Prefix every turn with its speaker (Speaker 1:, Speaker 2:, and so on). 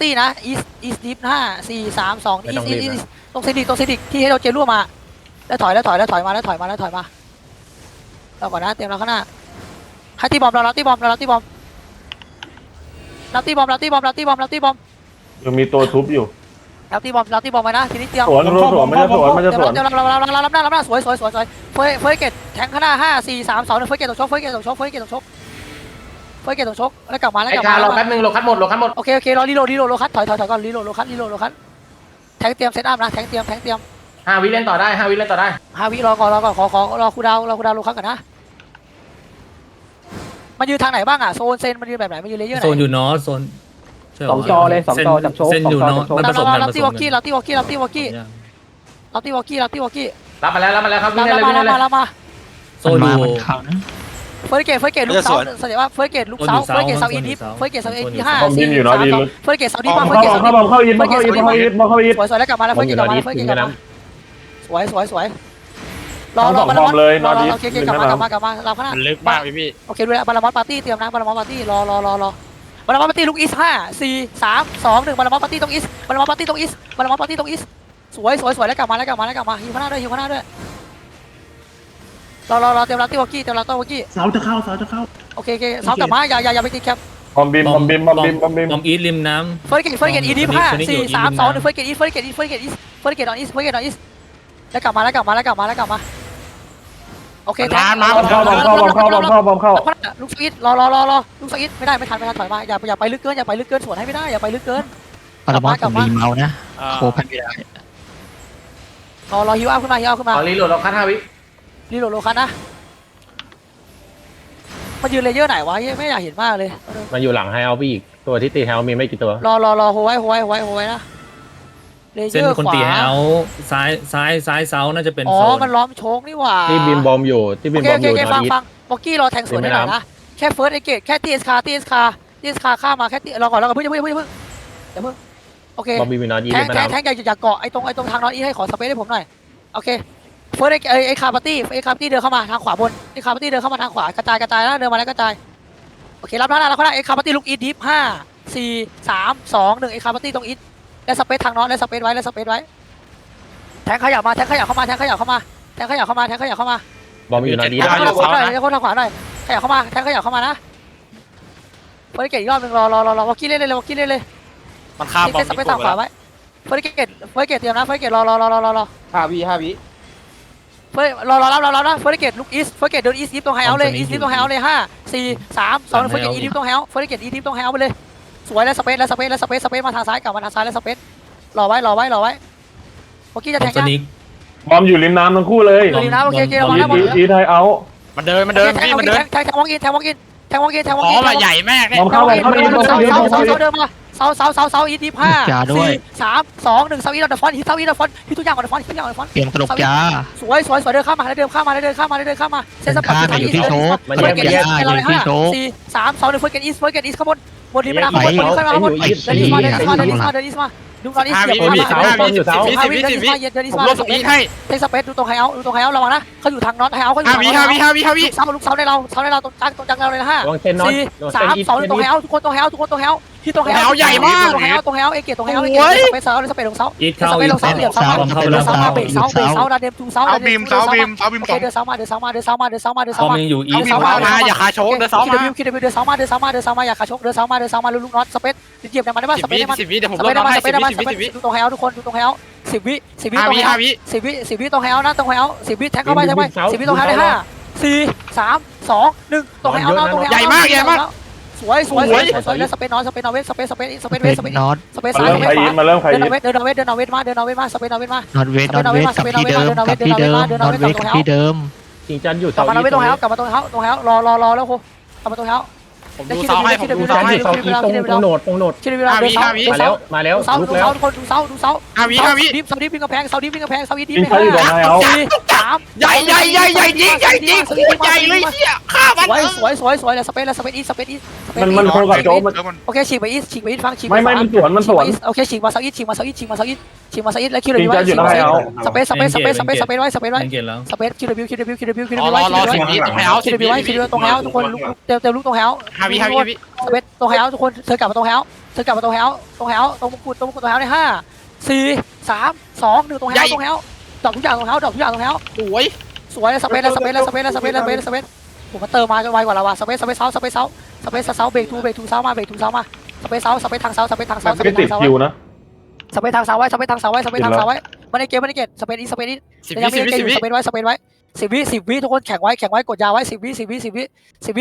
Speaker 1: ตี้นะอีสดิฟ5 4 3 2อีสตรงเซดิกที่ให้เราเจรั่วมาแล้วถอยมาเราก่อนนะเตรียมเราข้างหน้าให้ตีบอมเราตีบอม
Speaker 2: ยังมีตัวทุบอยู่
Speaker 1: เราตีบอมไว้นะทีนี้เตรียม
Speaker 2: สวนมันจะสวน
Speaker 1: เดี๋ยวเรารับหน้าสวยเฟยเกตแทงข้างหน้า5 4 3 2 1เฟยเกตตกชกแล้วกลับมา
Speaker 3: ไอ้การรอคัดนึงรอคัดหมด
Speaker 1: โอเครอรีโหลดโลคัสถอยก่อนรีโหลดโลคัสแทงเตรียมเซตอัพนะแทงเตรียม
Speaker 3: 5 วิเล่นต่อได้
Speaker 1: 5 วิรอก่อนขอรอคูดาวโลคัสก่อนนะมันยืนทางไหนบ้างอ่ะโซนเซนมันยืนแบบไหนมันยืนเลเยอร์ไหน
Speaker 4: โซนอยู่นอร์โซน
Speaker 5: 2 จอเลย2 จอจับโชว์
Speaker 4: เส้นอยู่นอร์มันผสมกัน
Speaker 1: รับตีวอลกี้
Speaker 3: รับมาแล้วครับวิ่งเลย
Speaker 1: รับมา
Speaker 4: โซนอยู่
Speaker 1: เฟอร์เกตลูกเสาแสดงว่าเฟอร์เกตลูกเสาอินทิปเฟอร์เกตเสาอินที่5
Speaker 2: บอมบินอยู่เนาะดีลึก
Speaker 1: เฟอร์เกตเสาดิปมา
Speaker 2: เข้าอิน
Speaker 1: สวยแล้วกลับมาแล้วเฟอร์เกตกลับมาสวยรอโอเคกลับมาเราข้างหน้า
Speaker 6: มันลึกมากพี่
Speaker 1: โอเคด้วยบาลามอสปาร์ตี้เตรียมนะบาลามอสปาร์ตี้รอบาลามอสปาร์ตี้ลูกอีส5 4 3 2 1บาลามอสปาร์ตี้ตรงอีสสวยแล้วกลับมาฮิวข้างหน้าด้วยรอเตรียมรับตีวอกี้
Speaker 5: เสาจะเข้า
Speaker 1: โอเคเสากลับมาอย่าไปติดแคป
Speaker 2: บอมบิน
Speaker 4: บอมอีทริมน้ำ
Speaker 1: เฟอร์เกตอีดิฟ5 4 3 2 1เฟอร์เกตออนอีสแล้วกลับมาโอเคแทง
Speaker 2: เข้า
Speaker 1: ลูกสวิตรอลูกสวิตไม่ทันถอยมาอย่าไปลึกเกินสวนให้ไม่ได้อย่าไปลึกเกิน
Speaker 7: ปรมาผมมีเมานะโคพันไม่ได้
Speaker 1: รอฮิวอัพขึ้นมา
Speaker 3: รีโหลดเราคัด5 วิ
Speaker 1: รีโหลดโลคัสนะมายืนเลเยอร์ไหนวะไม่อยากเห็นมากเลย
Speaker 8: มาอยู่หลังไฮเอาพี่อีกตัวที่ตีไฮเอามีไม่กี่ตัว
Speaker 1: รอโฮไว้นะเลเย
Speaker 4: เส้น
Speaker 1: อร์
Speaker 4: คน
Speaker 1: ขวา
Speaker 4: ตีเอาซ้ายเซาน่าจะเป็น
Speaker 1: อ๋อ
Speaker 4: โซน
Speaker 1: มันล้อมโชกนี่หว่า
Speaker 8: ที่บินบอมอยู่
Speaker 1: โอเคฟังบ็อกกี้รอแทงสวนได้หน่อยนะแค่เฟิร์สไอเกตแค่ทีเอสคาข้ามาแค่รอก่อนเพิ่งโอเค
Speaker 8: บอมบินมีนอตยี
Speaker 1: แท
Speaker 8: ไม่
Speaker 1: งอย่าเกาะไอ้ตรงทางนอนอีให้ขอสเปซให้ผมหน่อยโอเคเฟิร์สไอ้คาร์ปาร์ตี้เดินเข้ามาทางขวาบนไอ้คาร์ปาร์ตี้เดินเข้ามาทางขวากระจายแล้วเดินมาแล้วกระจายโอเครับหน้าแล้วเขาได้ไอ้คาร์ปาร์ตี้ลุกอีดิฟ5 4 3 2 1ไอ้คาร์ปาร์ตี้ตรงอีทและสเปซทางนอนและสเปซไว้แทงขยับเข้ามา
Speaker 8: บอมอยู่นอตยี
Speaker 1: ทางขวาหน่อยทางขวาหน่อยขยับเข้ามานะเฟิร์สเกตอีกรอบนึงรอวอลกี้เล่นเลย
Speaker 6: มันข้ามบอม
Speaker 1: สเปซทางขวาไว้เฟิร์สเกตเตรียมนะเฟิร์สเกตรอ
Speaker 5: 5 วิ
Speaker 1: เฟิร์สรอนะเฟิร์สเกตลุกอีสเฟิร์สเกตเดินอีสตรงไฮเอาเลย5 4 3 2เฟิร์สเกตอีดิฟตรงไฮเอาไปเลยสวยแล้วสเปซมาทางซ้ายกลับมาทางซ้ายแล้วสเปซรอไว้เมื่อกี้จะแทงยัง
Speaker 2: บอมอยู่ริมน้ำทั้งคู่เลย
Speaker 1: อยู่ริมน้ำโอเคมาแล้ว
Speaker 2: อีไทยเอา
Speaker 6: มันเดินพี่มันเดิน
Speaker 1: แทงวองอิน
Speaker 6: อ๋อมาใหญ่มากเลย
Speaker 2: บอมเข้าไป
Speaker 1: เดินมาเสาอีดิฟ5 4 3 2 1เสาอีดอทฟอนฮิตทุกอย่างก่อนฟอน
Speaker 7: เปลี่ยนตลกจ้า
Speaker 1: สวยเดินเข้ามาเซนสปอร์ต
Speaker 7: อยู่ที่โชค
Speaker 1: เฟิร์สเกตอีส4 3 2 1เฟิร์สเกตอีสข้างบนนี้ไม่ได้ข้างบนขึ้นมาข้างบนเดินอีสมาดูตอนนี้เสียบ
Speaker 6: 10 วิเผมลบสปีดให้
Speaker 1: เทคสเปซดูตรงไฮเอาระวังนะเขาอยู่ทางน็อตไฮเอาเขาอยู่
Speaker 6: 5 วิ
Speaker 1: ลูกเสาในเราตรงกลางเราเลยนะ5
Speaker 8: วางเชนน็อต
Speaker 1: 4 3 2ตรงไฮเอาทุกคนตรงไฮเอาที่ตรงไฮเอาตรงไฮเอาเอเกตตรงไฮเอาสเปซเสาลงเสา
Speaker 4: อีทเข้า
Speaker 1: ลงเสาเหลี่ยมเสามาเบรกเสาดาเดมทูเสา
Speaker 6: เอาบีม
Speaker 1: เดิน
Speaker 6: 2
Speaker 1: เสามา
Speaker 4: บอมยังอยู่อีท
Speaker 6: อย่าคาโชกเดิน2 มา
Speaker 1: คิดเดินเสามาอย่าขาชกเดินเสามาลูกน็อตสเปซเหยียบมันได้ป่ะสเปซได้มั้ย
Speaker 6: 10 วิเดี๋ยวผมลบให้10 วิ
Speaker 1: ดูตรงไฮเอาทุกคนดูตรงไฮเอา10 วิตรงไฮเอา10 วิตรงไฮเอานะตรงไฮเอา10 วิแทงเข้าไป10 วิตรงไฮเอาได้5 4 3 2 1ตรงไฮเอาตรงไฮเอา
Speaker 6: ใหญ่มาก
Speaker 1: สวยแล้วสเปซนอนสเปซเวสสเปซ
Speaker 7: น็อต
Speaker 1: สเปซซ้าย
Speaker 2: มาเริ่มใคร
Speaker 1: เดินเวทมาสเปซนอเวทมา
Speaker 7: น็อตเวทกับที่เดิมน็อตเวทกับที่เดิม
Speaker 8: จริงจันอยู่
Speaker 1: กลับมาตรงเฮากลับมาตรงเฮารอแล้วโคกลับมาตรงเฮา
Speaker 6: ผมดูเสาให้ผมดู
Speaker 8: จั
Speaker 6: เสาน ให้
Speaker 8: อยู่เสาอีตรงโหนด
Speaker 1: คิดเวลาเดินเสา
Speaker 8: มาแล้ว
Speaker 1: เสา
Speaker 8: ลุก
Speaker 1: ดู
Speaker 8: แล้ว
Speaker 1: เสาทุกคนดูเสาดิฟเสาดิฟวิ่งกระแพงเสาอีดิฟ
Speaker 2: อีไทยอยู่ตรงไฮเอา
Speaker 1: 4 3
Speaker 6: ใหญ่จริงใหญ่เลยเหี้ยฆ่ามัน
Speaker 1: สวยแล้วสเปซอีส
Speaker 2: มันโคกับโจมัน
Speaker 1: โอเคฉีกไปอีสฟังฉีก
Speaker 2: ไม่มันสวน
Speaker 1: โอเคฉีกมาเสาอีสแล้วคิวเดบิวสเปซไว้
Speaker 4: เกตแล้ว
Speaker 1: สเปซคิวเดบิว
Speaker 6: รอ10 วิตรงไฮเอา10 วิ
Speaker 1: ตรงเฮาทุกคนเต็มลูกตรงเฮา
Speaker 6: 5 วิ
Speaker 1: สเปซตรงไฮเอาท์ทุกคนเธอกลับมาตรงไฮเอาท์เธอกลับมาตรงไฮเอาท์ตรงไฮเอาท์ตรงมงกุฎตรงมงกุฎตรงไฮเอาท์ใน5 4 3 2 1ตรงไฮเอาท์ตรงไฮเอาท์ดอกทุกอย่างตรงไฮเอาท์ดอกทุกอย่างตรงไฮเอาท์
Speaker 6: สวย
Speaker 1: สวยสเปซแล้วสเปซแล้วสเปซแล้วสเปซแล้วสเปซแล้วสเปซผมมาเติมมาไวกว่าเราว่ะสเปซเซาสเปซเซาเบรกทูเซามาเบรกทูเซามาสเปซเซาสเปซทางเซาสเปซทางเซาสเป
Speaker 2: ไม่
Speaker 1: ซ
Speaker 2: ติ
Speaker 1: ทา
Speaker 2: ด
Speaker 1: งเซา
Speaker 2: คิวนะ
Speaker 1: สเปซทางเซาไว้สเปซทางเซาไว้สเปซทางเซาไว้มาในเกมสเปซอีสเปซอี
Speaker 6: 10
Speaker 1: ยัง
Speaker 6: วิ
Speaker 1: ไม่ได้เกมอยู่สเปซไว้10 วิทุกคนแข่งไว้กดยาไว้10 วิ